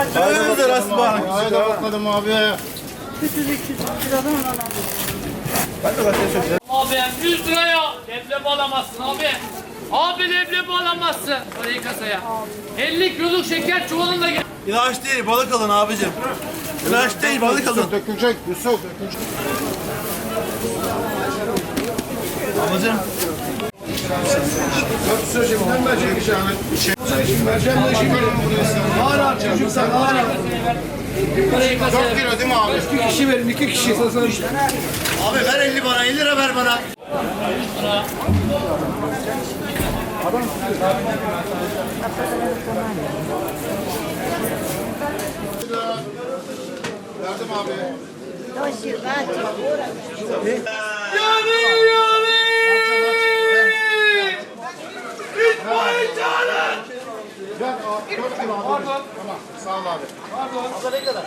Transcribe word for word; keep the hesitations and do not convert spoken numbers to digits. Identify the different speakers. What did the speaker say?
Speaker 1: Hayırdır Aslan?
Speaker 2: Haydi bakalım abi.
Speaker 1: Ben de başka söyleyeceğim.
Speaker 3: Abi yüz liraya leblebi alamazsın abi. Abi leblebi alamazsın. Parayı kasaya. elli kiloluk şeker çuvalında gel.
Speaker 1: İlaç değil, balık alın abicim. İlaç değil, balık alın.
Speaker 2: Dökülecek Yusuf. Dökülecek.
Speaker 1: Ablacığım.
Speaker 2: Söyleyeceğim. Ben verecek bir şey. Şey vereceğim de işi görüyorum buraya. Ağır ağır çocuk sen ağır ağır.
Speaker 3: Parayı kasaya.
Speaker 2: Dört kilo değil mi abi?
Speaker 4: İki kişi verin, iki kişi.
Speaker 2: Abi ver elli bana, elli lira ver bana. Verdim abi.
Speaker 3: Yani yani. İtfaiye çağırın.
Speaker 2: Ver, dört kilo abi. Tamam, sağ ol abi.